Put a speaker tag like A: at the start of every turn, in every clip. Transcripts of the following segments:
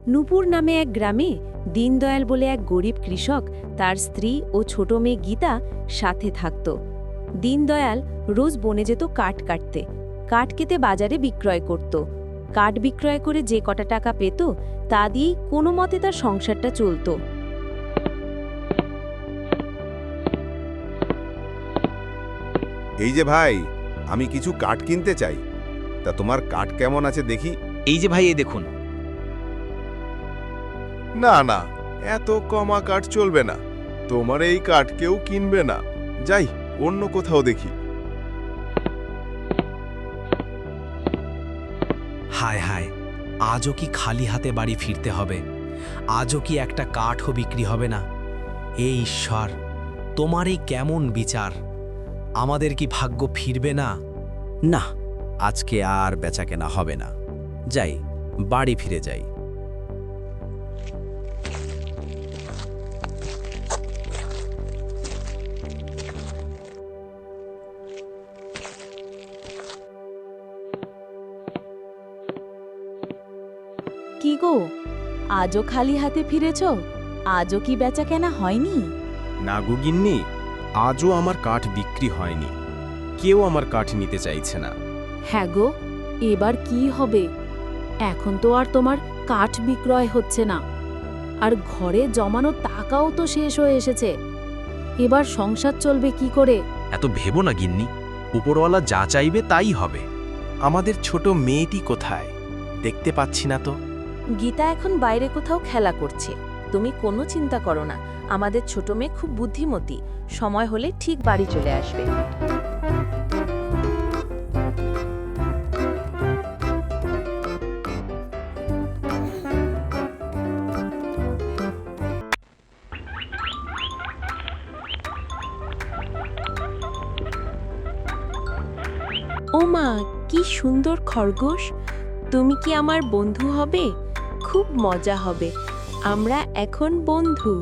A: নূপুর নামে এক গ্রামে দীনদয়াল বলে এক গরিব কৃষক, তার স্ত্রী ও ছোট মেয়ে গীতা সাথে থাকত। দীনদয়াল রোজ বনে যেত কাঠ কাটতে, কাঠ কেটে বাজারে বিক্রয় করত। কাঠ বিক্রয় করে যে কটা টাকা পেত তা দিয়েই কোনো মতে তার সংসারটা চলত।
B: এই যে ভাই, আমি কিছু কাঠ কিনতে চাই, তা তোমার কাঠ কেমন আছে দেখি।
C: এই যে ভাই, এই দেখুন।
B: না না, এত কমা কাঠ চলবে না, তোমার এই কাঠ কেউ কিনবে না, যাই অন্য কোথাও দেখি।
C: হায় হায়, আজও কি খালি হাতে বাড়ি ফিরতে হবে? আজও কি একটা কাঠও বিক্রি হবে না? হে ঈশ্বর, তোমার এই কেমন বিচার! আমাদের কি ভাগ্য ফিরবে না? না, আজকে আর বেচাকেনা হবে না। যাই, বাড়ি ফিরে যাই।
A: কি গো, আজও খালি হাতে ফিরেছ? আজও কি বেচাকেনা হয়নি?
D: না গো গিন্নি, আজও আমার কাঠ বিক্রি হয়নি, কেউ আমার কাঠ নিতে চাইছে না।
A: হ্যাঁ গো, এবার কি হবে? এখন তো আর তোমার কাঠ বিক্রয় হচ্ছে না, আর ঘরে জমানো টাকাও তো শেষ হয়ে এসেছে। এবার সংসার চলবে কি করে?
D: এত ভেবো না গিন্নি, উপরওয়ালা যা চাইবে তাই হবে। আমাদের ছোট মেয়েটি কোথায়? দেখতে পাচ্ছি না তো।
A: গীতা এখন বাইরে কোথাও খেলা করছে। তুমি কোনো চিন্তা করো না, আমাদের ছোট মেয়ে খুব বুদ্ধিমতী, সময় হলে ঠিক বাড়ি চলে আসবে। ও মা, কি সুন্দর খরগোশ! তুমি কি আমার বন্ধু হবে? খুব মজা হবে, আমরা এখন বন্ধু।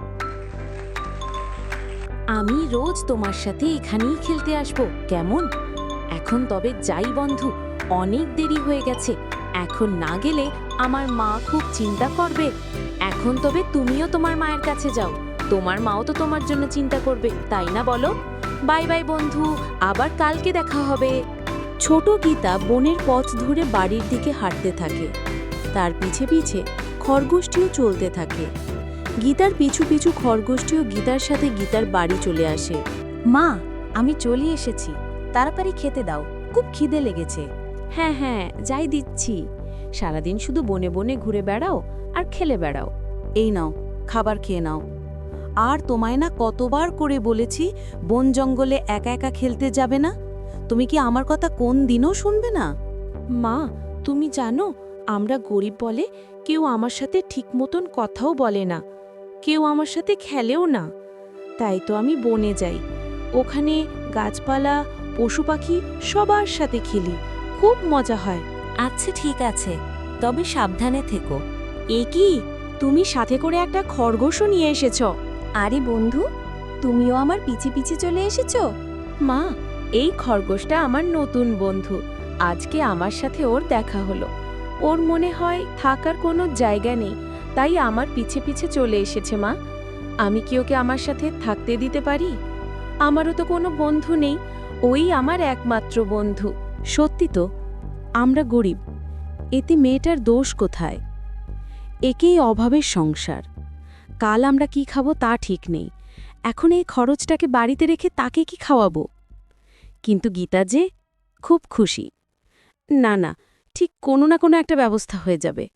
A: আমি রোজ তোমার সাথে এখানেই খেলতে আসব, কেমন? এখন তবে যাই বন্ধু, অনেক দেরি হয়ে গেছে। এখন না গেলে আমার মা খুব চিন্তা করবে। এখন তবে তুমিও তোমার মায়ের কাছে যাও, তোমার মাও তো তোমার জন্য চিন্তা করবে, তাই না বলো? বাই বাই বন্ধু, আবার কালকে দেখা হবে। ছোট গীতা বনের পথ ধরে বাড়ির দিকে হাঁটতে থাকে। তার পিছে পিছে খরগোশটিও চলতে থাকে। গীতার পিছু পিছু খরগোশটিও গীতার সাথে গীতার বাড়ি চলে আসে। মা, আমি চলে এসেছি, তাড়াতাড়ি খেতে দাও, খুব খিদে লেগেছে। হ্যাঁ হ্যাঁ, যাই দিচ্ছি। সারাদিন শুধু বনে বনে ঘুরে বেড়াও আর খেলে বেড়াও। এই নাও, খাবার খেয়ে নাও। আর তোমায় না কতবার করে বলেছি বন জঙ্গলে একা একা খেলতে যাবে না? তুমি কি আমার কথা কোন দিনও শুনবে না? মা, তুমি জানো, আমরা গরিব বলে কেউ আমার সাথে ঠিক মতন কথাও বলে না, কেউ আমার সাথে খেলেও না। তাই তো আমি বনে যাই, ওখানে গাছপালা পশু পাখি সবার সাথে খেলি, খুব মজা হয়। আচ্ছা ঠিক আছে, তবে সাবধানে থেকো। এ কি, তুমি সাথে করে একটা খরগোশও নিয়ে এসেছ? আরে বন্ধু, তুমিও আমার পিছে পিছে চলে এসেছ? মা, এই খরগোশটা আমার নতুন বন্ধু, আজকে আমার সাথে ওর দেখা হলো। ওর মনে হয় থাকার কোনো জায়গা নেই, তাই আমার পিছে পিছে চলে এসেছে। মা, আমি কি ওকে আমার সাথে থাকতে দিতে পারি? আমারও তো কোনো বন্ধু নেই, ওই আমার একমাত্র বন্ধু। সত্যি তো, আমরা গরিব, এতে মেয়েটার দোষ কোথায়? একেই অভাবের সংসার। কাল আমরা কি খাবো তা ঠিক নেই, এখন এই খরচটাকে বাড়িতে রেখে তাকে কি খাওয়াবো? কিন্তু গীতা যে খুব খুশি। না না, ঠিক কোনো না কোনো একটা ব্যবস্থা হয়ে যাবে।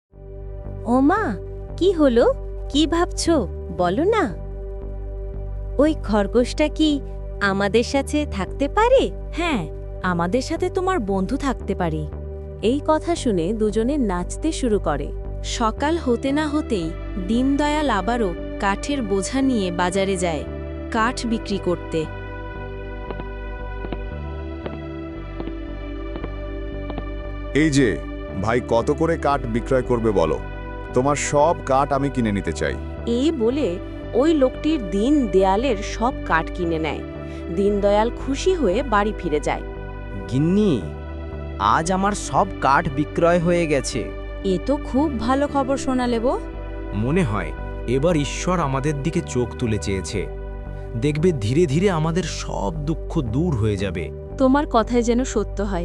A: ও মা, কি হলো? কি ভাবছো বলো না? ওই খরগোশটা কি আমাদের সাথে থাকতে পারে? হ্যাঁ, আমাদের সাথে তোমার বন্ধু থাকতে পারে। এই কথা শুনে দুজনে নাচতে শুরু করে। সকাল হতে না হতেই দীনদয়াল আবারও কাঠের বোঝা নিয়ে বাজারে যায় কাঠ বিক্রি করতে।
B: এই যে ভাই, কত করে কাঠ বিক্রয় করবে বলো, তোমার সব কাঠ আমি কিনে নিতে চাই।
A: এই বলে ওই লোকটির দিন দেয়ালের সব কাঠ কিনে নেয়। দীনদয়াল খুশি হয়ে বাড়ি ফিরে যায়।
C: গিন্নি, আজ আমার সব কাঠ বিক্রয় হয়ে গেছে,
A: এ তো খুব ভালো খবর শোনালে গো।
C: মনে হয় এবার ঈশ্বর আমাদের দিকে চোখ তুলে চেয়েছে। দেখবে ধীরে ধীরে আমাদের সব দুঃখ দূর হয়ে যাবে।
A: তোমার কথায় যেন সত্য হয়।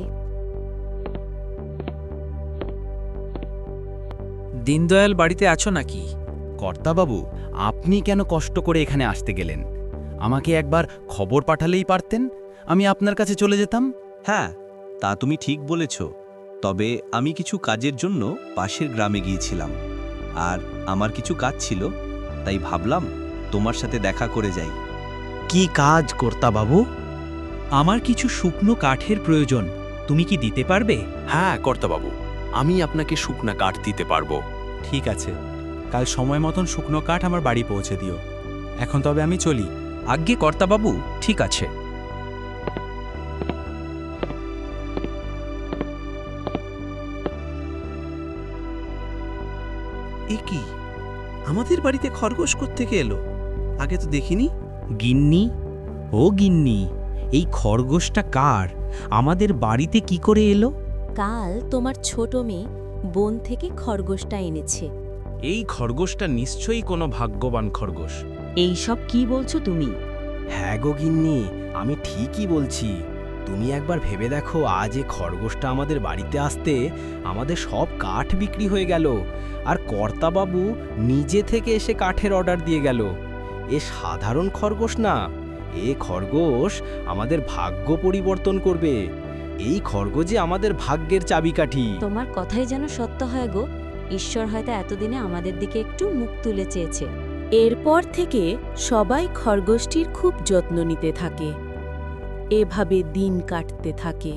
E: দীনদয়াল বাড়িতে আছো নাকি?
D: কর্তাবাবু, আপনি কেন কষ্ট করে এখানে আসতে গেলেন? আমাকে একবার খবর পাঠালেই পারতেন, আমি আপনার কাছে চলে যেতাম।
F: হ্যাঁ, তা তুমি ঠিক বলেছ। তবে আমি কিছু কাজের জন্য পাশের গ্রামে গিয়েছিলাম, আর আমার কিছু কাজ ছিল, তাই ভাবলাম তোমার সাথে দেখা করে যাই।
D: কি কাজ কর্তাবাবু?
E: আমার কিছু শুকনো কাঠের প্রয়োজন, তুমি কি দিতে পারবে?
D: হ্যাঁ কর্তাবাবু, আমি আপনাকে শুকনা কাঠ দিতে পারবো।
F: ঠিক আছে, কাল সময় মতন শুকনো কাঠ আমার বাড়ি পৌঁছে দিও। এখন তবে আমি চলি।
E: আজ্ঞে কর্তাবাবু, ঠিক আছে।
F: এ কি, আমাদের বাড়িতে খরগোশ কোত্থেকে এলো? আগে তো দেখিনি।
E: গিন্নি, ও গিন্নি, এই খরগোশটা কার? আমাদের বাড়িতে কি করে এলো?
A: কাল তোমার ছোট মেয়ে বন থেকে খরগোশটা এনেছে।
C: এই খরগোশটা নিশ্চয়ই কোনো ভাগ্যবান খরগোশ।
A: এই সব কি বলছো তুমি?
C: হ্যাঁ গো গিন্নি, আমি ঠিকই বলছি। তুমি একবার ভেবে দেখো, আজ এ খরগোশটা আমাদের বাড়িতে আসতে আমাদের সব কাঠ বিক্রি হয়ে গেল, আর কর্তাবাবু নিজে থেকে এসে কাঠের অর্ডার দিয়ে গেল। এ সাধারণ খরগোশ না, এ খরগোশ আমাদের ভাগ্য পরিবর্তন করবে। এই খরগোশই আমাদের ভাগ্যের চাবিকাঠি।
A: তোমার কথাই যেন সত্য হয় গো। ঈশ্বর হয়তো এতদিনে আমাদের দিকে একটু মুখ তুলে চেয়েছে। এরপর থেকে সবাই খরগোশটির খুব যত্ন নিতে থাকে। এভাবে দিন কাটতে থাকে।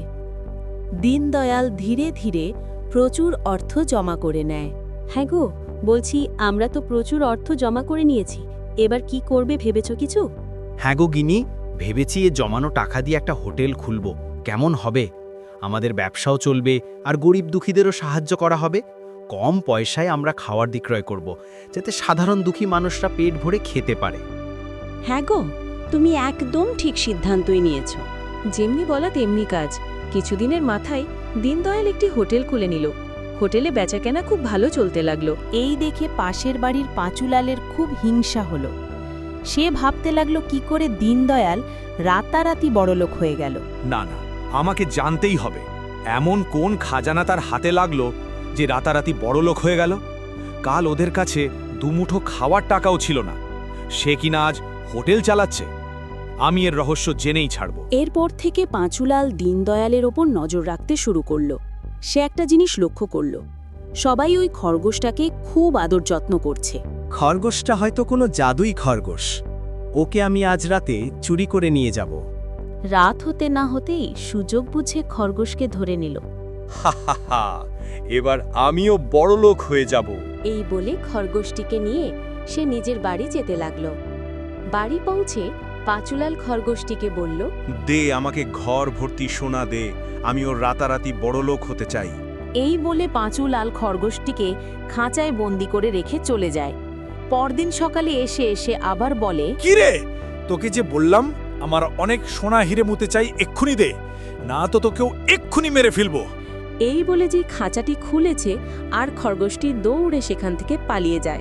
A: দীনদয়াল ধীরে ধীরে প্রচুর অর্থ জমা করে নেয়। হ্যাঁ গো, বলছি আমরা তো প্রচুর অর্থ জমা করে নিয়েছি, এবার কি করবে ভেবেছো কিছু?
C: হ্যাঁ গো গিনি, ভেবেছি এ জমানো টাকা দিয়ে একটা হোটেল খুলব। কেমন হবে? আমাদের ব্যবসাও চলবে, আর গরিব দুঃখীদেরও সাহায্য করা হবে। কম পয়সায় আমরা খাওয়ার বিক্রয় করব, যাতে সাধারণ দুঃখী মানুষরা পেট ভরে খেতে পারে।
A: হ্যাঁ গো, তুমি একদম ঠিক সিদ্ধান্তই নিয়েছ। যেমনি বলা তেমনি কাজ। কিছুদিনের মাথায় দীনদয়াল একটি হোটেল খুলে নিল। হোটেলে বেচাকেনা খুব ভালো চলতে লাগলো। এই দেখে পাশের বাড়ির পাঁচুলালের খুব হিংসা হলো। সে ভাবতে লাগলো কি করে দীনদয়াল রাতারাতি বড়লোক হয়ে গেল।
G: না না, আমাকে জানতেই হবে এমন কোন খাজানা তার হাতে লাগলো যে রাতারাতি বড়লোক হয়ে গেল। কাল ওদের কাছে দুমুঠো খাওয়ার টাকাও ছিল না, সে কিনা আজ হোটেল চালাচ্ছে। আমি এর রহস্য জেনেই ছাড়ব।
A: এরপর থেকে পাঁচুলাল দীনদয়ালের ওপর নজর রাখতে শুরু করল। সে একটা জিনিস লক্ষ্য করল, সবাই ওই খরগোশটাকে খুব আদর যত্ন করছে।
D: খরগোশটা হয়তো কোনো জাদুই খরগোশ। ওকে আমি আজ রাতে চুরি করে নিয়ে যাব।
A: রাত হতে না হতেই সুযোগ বুঝে খরগোশকে ধরে নিল।
G: হা হা হা, এবার আমিও বড়লোক হয়ে যাব।
A: এই বলে খরগোশটিকে নিয়ে সে নিজের বাড়ি যেতে লাগল। বাড়ি পৌঁছে পাঁচুলাল খরগোশটিকে বলল,
B: দে আমাকে ঘর ভর্তি সোনা দে, আমি ওর রাতারাতি বড়লোক হতে চাই।
A: এই বলে পাঁচুলাল খরগোশটিকে খাঁচায় বন্দি করে রেখে চলে যায়। পরদিন সকালে এসে এসে আবার বলে,
G: কি রে, তোকে যে বললাম আমার অনেক সোনা হিরে মুতে চাই, এক্ষুনি দে, না তো তোকেও এক্ষুনি মেরে ফেলবো।
A: এই বলে যে খাঁচাটি খুলেছে আর খরগোশটি দৌড়ে সেখান থেকে পালিয়ে যায়।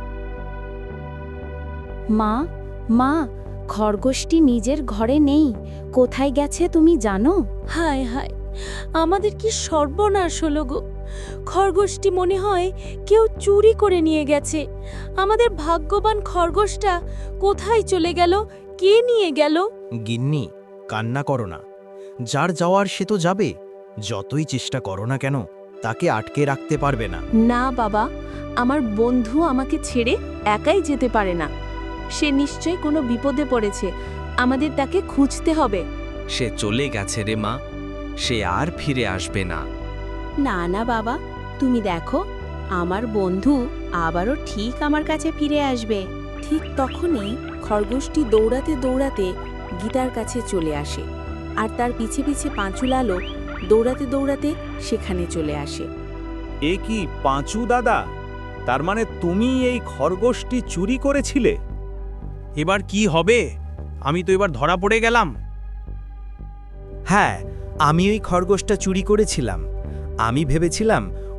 A: মা, মা, খরগোশটি নিজের ঘরে নেই, কোথায় গেছে তুমি জানো? হায় হায়, আমাদের কি সর্বনাশ হলো গো। খরগোশটি মনে হয় কেউ চুরি করে নিয়ে গেছে। আমাদের ভাগ্যবান খরগোশটা কোথায় চলে গেল, কে নিয়ে গেল?
C: গিন্নি, কান্না করো না। যার যাওয়ার সে তো যাবে। যতই চেষ্টা করো না কেন, তাকে আটকে রাখতে পারবে না।
A: না বাবা, আমার বন্ধু আমাকে ছেড়ে একাই যেতে পারে না। সে নিশ্চয়ই কোনো বিপদে পড়েছে, আমাদের তাকে খুঁজতে হবে।
D: সে চলে গেছে রে মা, সে আর ফিরে আসবে না।
A: না না বাবা, তুমি দেখো, আমার বন্ধু আবারও ঠিক আমার কাছে ফিরে আসবে। ঠিক তখনই খরগোশটি দৌড়াতে দৌড়াতে গীতার কাছে চলে আসে, আর তার পিছে পিছে পাঁচুলালও দৌড়াতে দৌড়াতে সেখানে চলে আসে।
G: এ কি পাঁচু দাদা, তার মানে তুমি এই খরগোশটি চুরি করেছিলে?
C: এবার কি হবে? আমি তো এবার ধরা পড়ে গেলাম।
D: হ্যাঁ, আমি ওই খরগোশটা চুরি করেছিলাম। আমি ভেবেছিলাম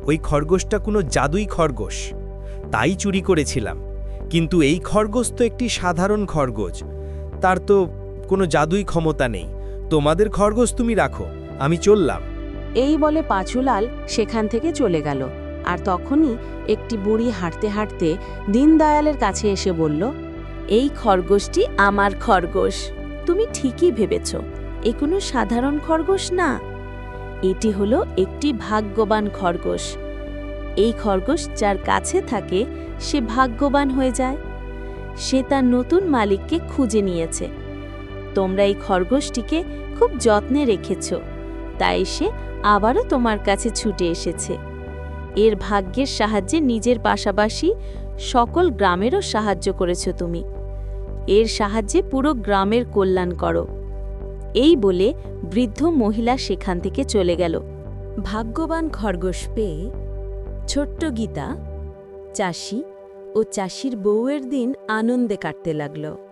D: ওই খরগোশটা কোনো জাদুই খরগোশ, তাই চুরি করেছিলাম। কিন্তু এই খরগোশ তো একটি সাধারণ খরগোশ, তার তো কোনো জাদুই ক্ষমতা নেই। তোমাদের খরগোশ তুমি রাখো, আমি চললাম।
A: এই বলে পাঁচুলাল সেখান থেকে চলে গেল। আর তখনই একটি বুড়ি হাঁটতে হাঁটতে দীনদয়ালের কাছে এসে বলল, এই খরগোশটি আমার খরগোশ। তুমি ঠিকই ভেবেছ, এ কোনো সাধারণ খরগোশ না, এটি হলো একটি ভাগ্যবান খরগোশ। এই খরগোশ যার কাছে থাকে সে ভাগ্যবান হয়ে যায়। সে তার নতুন মালিককে খুঁজে নিয়েছে। তোমরা এই খরগোশটিকে খুব যত্নে রেখেছ, তাই সে আবারও তোমার কাছে ছুটে এসেছে। এর ভাগ্যের সাহায্যে নিজের পাশাপাশি সকল গ্রামেরও সাহায্য করেছ তুমি। এর সাহায্যে পুরো গ্রামের কল্যাণ করো। এই বলে বৃদ্ধ মহিলা সেখান থেকে চলে গেল। ভাগ্যবান খরগোশ পেয়ে ছোট্ট গীতা চাষি ও চাষির বউয়ের দিন আনন্দে কাটতে লাগল।